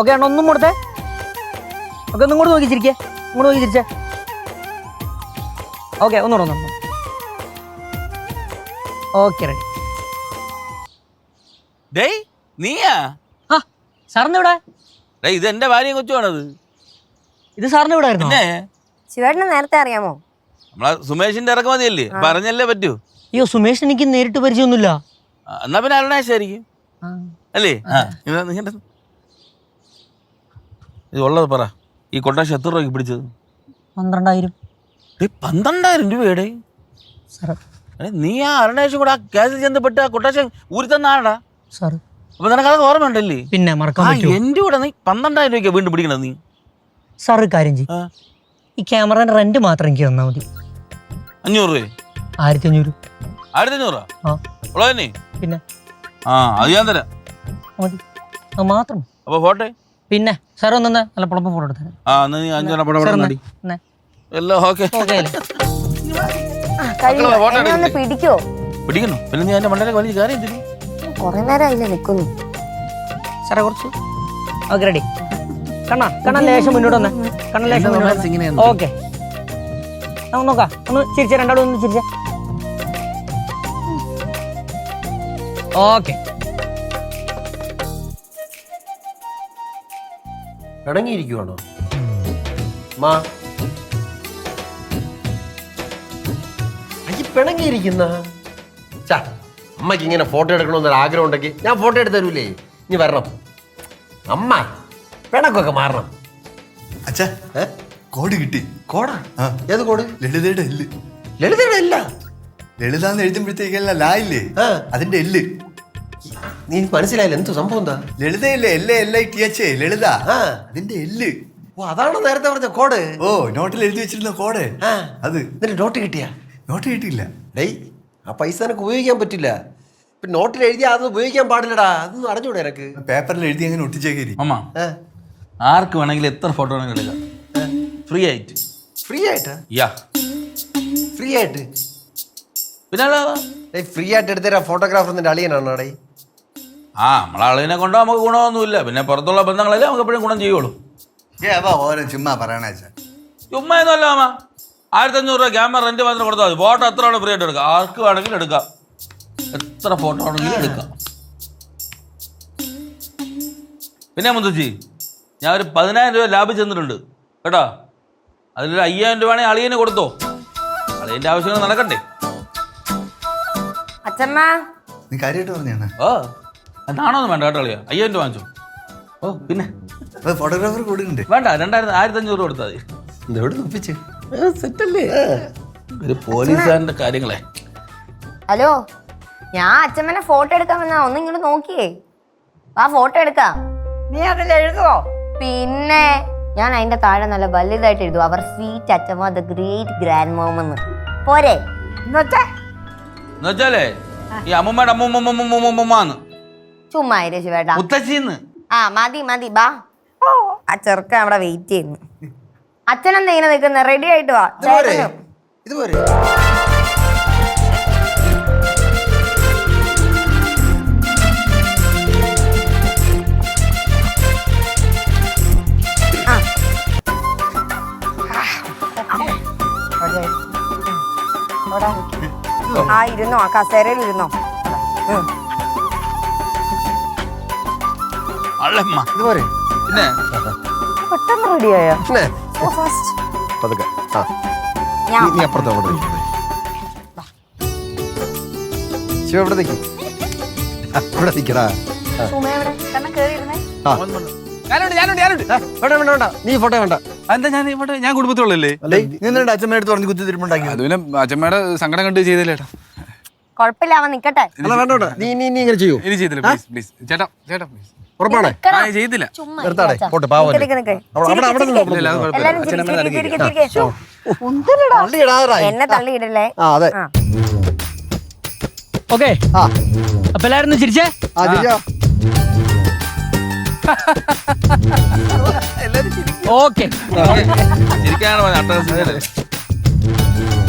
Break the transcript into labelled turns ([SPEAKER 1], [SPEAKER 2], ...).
[SPEAKER 1] Okay അണ്ണ ഒന്നും കൊടുത്തേ. ഓക്കെ ഒന്നും കൂടെ നോക്കി ചിരിക്കേ. ഇങ്ങോട്ട് നോക്കി ചിരിച്ചേ. ഓക്കെ ഒന്നുകൂടെ. Okay ready.
[SPEAKER 2] ഡേയ് നീയാ?
[SPEAKER 1] ആ സാറിന് ഇവിടെ?
[SPEAKER 2] ഡേയ് ഇത് എന്റെ ഭാര്യയും കൊച്ചുവാണത്.
[SPEAKER 1] ഇത് സാറിന് ഇവിടെ ആയിരുന്നു?
[SPEAKER 2] പിന്നെ
[SPEAKER 3] ശിവേട്ടനെ നേരത്തെ അറിയാമോ?
[SPEAKER 2] നമ്മളെ സുമേഷിന്റെ ഇറക്കുമതിയല്ലേ, പറഞ്ഞല്ലേ പറ്റൂ.
[SPEAKER 1] അയ്യോ സുമേഷ് എനിക്ക് നേരിട്ട് പരിചയമൊന്നുമില്ല.
[SPEAKER 2] എന്നാ പിന്നെ അരുണാശായിരിക്കും അല്ലേ? ഇത് ഉള്ളത് പറ. ഈ കൊട്ടാശം എത്ര രൂപയ്ക്ക് പിടിച്ചത്?
[SPEAKER 1] 12,000.
[SPEAKER 2] 12,000 രൂപയുടെ? നീ ആ അരുണാശം കൂടെ ആ കേസിൽ ചെന്നപ്പെട്ട് ആ കൊട്ടാശം ഊരി തന്ന ആടാ
[SPEAKER 1] സാർ.
[SPEAKER 2] അപ്പൊ നിനക്കത് ഓർമ്മയുണ്ടല്ലേ?
[SPEAKER 1] പിന്നെ മറക്കാൻ പറ്റുമോ?
[SPEAKER 2] എന്റെ കൂടെ നീ 12,000 രൂപയ്ക്ക് വീണ്ടും പിടിക്കണത് നീ?
[SPEAKER 1] സാർ ഒരു കാര്യം ചെയ്യും, ഈ ക്യാമറയുടെ റെന്റ് മാത്രം എനിക്ക് തന്നാൽ മതി.
[SPEAKER 2] 500 രൂപ?
[SPEAKER 1] 1500.
[SPEAKER 2] 1500? ഉള്ളതന്നെ?
[SPEAKER 1] പിന്നെ
[SPEAKER 2] അത് ഞാൻ തരാം.
[SPEAKER 1] മതി, അത് മാത്രം.
[SPEAKER 2] അപ്പൊ ഫോട്ടോ?
[SPEAKER 1] പിന്നെ സാർ ഒന്ന് നല്ല പുളപ്പം ഫോട്ടോ എടുത്തരാം.
[SPEAKER 2] നീ 5 എല്ലാം ഓക്കെ.
[SPEAKER 3] പിടിക്കോ?
[SPEAKER 2] പിടിക്കണോ? പിന്നെ നീ എന്റെ മണ്ടയിലേക്ക് വലിയ കാര്യം എന്തിനു?
[SPEAKER 3] കൊറേ നേരമായില്ലേ നിക്കുന്നു.
[SPEAKER 1] സാറേ കുറച്ച് ഓക്കെ റെഡി. കണ്ണ ലേശം മുന്നോട്ട് വന്നേ. കണ്ണ ലേശം മുന്നോട്ട്. ഓക്കെ നമുക്ക് നോക്കാം. ഒന്ന് ചിരിച്ചേ, രണ്ടാളും ഒന്ന് ചിരിച്ചേ. ഓക്കെ.
[SPEAKER 4] ഇണങ്ങിയിരിക്കുവാണോ മാ? അയ്യ പിണങ്ങിയിരിക്കുന്ന അമ്മയ്ക്ക് ഇങ്ങനെ ഫോട്ടോ എടുക്കണമെന്നൊരു ആഗ്രഹം ഉണ്ടെങ്കിൽ ഞാൻ ഫോട്ടോ എടുത്ത് തരൂലേ. ഇനി വരണം അമ്മ, പിണക്കൊക്കെ മാറണം.
[SPEAKER 5] അച്ഛാ കോഡ് കിട്ടി.
[SPEAKER 4] കോടാ? ഏത് കോഡ്?
[SPEAKER 5] ലളിതയുടെ എല്ല്.
[SPEAKER 4] ലളിതയുടെ എല്ല?
[SPEAKER 5] ലളിതാന്ന് എഴുതുമ്പോഴത്തേക്കല്ല ലാ ഇല്ലേ, അതിന്റെ എല്ല്.
[SPEAKER 4] നീ മനസ്സിലായില്ല എന്തു സംഭവം? എന്താ
[SPEAKER 5] ലളിതയില്ലേ? LITH ലളിത, അതിന്റെ എല്ല്.
[SPEAKER 4] ഓ അതാണോ നേരത്തെ പറഞ്ഞ കോഡ്?
[SPEAKER 5] ഓ നോട്ടിൽ എഴുതി വെച്ചിരുന്ന കോഡ് അത്.
[SPEAKER 4] എന്നിട്ട് നോട്ട് കിട്ടിയാ?
[SPEAKER 5] നോട്ട് കിട്ടിയില്ല.
[SPEAKER 4] ഡേയ് ആ പൈസ എനിക്ക് ഉപയോഗിക്കാൻ പറ്റില്ല. ഇപ്പൊ നോട്ടിൽ എഴുതിയാ അത് ഉപയോഗിക്കാൻ പാടില്ലടാ. അതൊന്നും അറിഞ്ഞൂടെ എനക്ക്?
[SPEAKER 5] പേപ്പറിൽ എഴുതി അങ്ങനെ ഒട്ടിച്ചേക്കരി.
[SPEAKER 2] അമ്മ ആർക്ക് വേണമെങ്കിലും എത്ര ഫോട്ടോ വേണമെങ്കിലും എടുക്കാം, ഫ്രീ ആയിട്ട്.
[SPEAKER 4] ഫ്രീ ആയിട്ടാ?
[SPEAKER 2] യാ
[SPEAKER 4] ഫ്രീ ആയിട്ട്?
[SPEAKER 2] പിന്നെ
[SPEAKER 4] ഫ്രീ ആയിട്ട് എടുത്തരാ ഫോട്ടോഗ്രാഫർ നിന്റെ അളിയനാണോ? ഡേ
[SPEAKER 2] നമ്മളെ ആളിനെ കൊണ്ടോ നമുക്ക് ഗുണമൊന്നുമില്ല. പിന്നെ പുറത്തുള്ള ബന്ധങ്ങളല്ലേ നമുക്ക് എപ്പോഴും ഗുണം ചെയ്യുള്ളൂ.
[SPEAKER 5] ഓരോ ചുമ്മാ പറയണ
[SPEAKER 2] ചുമ്മാ ഒന്നുമല്ല അമ്മ. 1500 രൂപ ക്യാമറ റെന്റ് മാത്രം കൊടുത്താൽ മതി. ഫോട്ടോ എത്ര വേണം ഫ്രീ ആയിട്ട് എടുക്കാം. ആർക്ക് വേണമെങ്കിലും എടുക്കാം, എത്ര ഫോട്ടോ ആണെങ്കിലും എടുക്കാം. പിന്നെ മുത്തശ്ശി, ഞാൻ ഒരു 10,000 രൂപ ലാഭം ചെന്നിട്ടുണ്ട് കേട്ടോ. അതിലൊരു 5,000 രൂപ ആണെങ്കിൽ അളിയന് കൊടുത്തോ. അളിയന്റെ ആവശ്യങ്ങൾ നടക്കണ്ടേ?
[SPEAKER 3] അച്ഛമ്മ
[SPEAKER 5] നീ കാര്യമായിട്ട് പറഞ്ഞാ?
[SPEAKER 2] അതാണോന്നും വേണ്ട കേട്ടോ അളിയ. 5,000 രൂപ വാങ്ങിച്ചോ. ഓ പിന്നെ
[SPEAKER 5] ഫോട്ടോഗ്രാഫർ കൊടുക്കണ്ടേ?
[SPEAKER 2] വേണ്ട, 1,500 രൂപ കൊടുത്താൽ മതി.
[SPEAKER 4] എവിടെ ഒപ്പിച്ച്
[SPEAKER 2] സെറ്റല്ലേ ഒരു പോലീസുകാരന്റെ കാര്യങ്ങളെ.
[SPEAKER 3] ഹലോ, ഞാൻ അച്ഛമ്മനെ ഫോട്ടോ എടുക്കാൻ വന്നാ. ഒന്ന് ഇങ്ങോട്ട് നോക്കിയേ. ആ ഫോട്ടോ എടുക്കാം.
[SPEAKER 6] നീ അതിൽ എഴുതുവോ?
[SPEAKER 3] പിന്നെ ഞാൻ അതിന്റെ താഴെ നല്ല വലുതായിട്ട് എഴുതും, അവർ സ്വീറ്റ് അച്ഛമ്മ ദ ഗ്രേറ്റ് ഗ്രാൻഡ് മോം എന്ന്. പോരെ?
[SPEAKER 2] എന്നുവെച്ചാലേ ഈ അമ്മൂമ്മയുടെ അമ്മൂമ്മന്ന്
[SPEAKER 3] ചുമ്മാ ശിവേട്ടാ.
[SPEAKER 2] മുത്തശ്ശിന്ന്.
[SPEAKER 3] മതി ബാ. ആ ചെറുക്കൻ അവിടെ വെയിറ്റ് ചെയ്യുന്നു. അച്ഛനെന്താ ഇങ്ങനെ നിൽക്കുന്നത്? റെഡി ആയിട്ട് വാ.
[SPEAKER 4] ഇതുപോലെ
[SPEAKER 3] ഇരുന്നോ, ആ കസേരയിൽ ഇരുന്നോ.
[SPEAKER 4] ഇതുപോലെ
[SPEAKER 2] പിന്നെ
[SPEAKER 3] പെട്ടെന്ന് റെഡിയായോ?
[SPEAKER 4] പതുക്കെ. നീ അപ്പുറത്ത് ശിവ ഇവിടെ നിൽക്കും. ഇവിടെ നിൽക്കടാ. വേണ്ട, നീ ഫോട്ടോ വേണ്ട.
[SPEAKER 7] എന്താ ഞാൻ കുടുംബത്തിലുള്ളല്ലേ?
[SPEAKER 5] അച്ഛമ്മ എടുത്ത് പറഞ്ഞ് കുത്തി തിരുമുണ്ടാക്കി.
[SPEAKER 7] അത് പിന്നെ അച്ഛമ്മയുടെ സങ്കടം കണ്ട് ചെയ്തില്ലേട്ടാ.
[SPEAKER 3] കൊഴപ്പില്ല, അവൻ നിക്കട്ടെ.
[SPEAKER 4] വേണ്ട, നീ ഇങ്ങനെ ചെയ്യൂ.
[SPEAKER 7] ഇനി ചെയ്തില്ല, പ്ലീസ് പ്ലീസ്. ചേട്ടാ പ്ലീസ്.
[SPEAKER 4] ഉറപ്പാണേ?
[SPEAKER 7] ചെയ്തില്ല.
[SPEAKER 4] നിർത്താടേ, പോട്ടെ. പാവം
[SPEAKER 3] എന്നെ തള്ളിയിടല്ലേ.
[SPEAKER 4] അതെ.
[SPEAKER 1] ഓക്കെ, അപ്പൊ എല്ലാരും ചിരിച്ചേ.
[SPEAKER 2] ഓക്കെ ശരിക്കാണ്.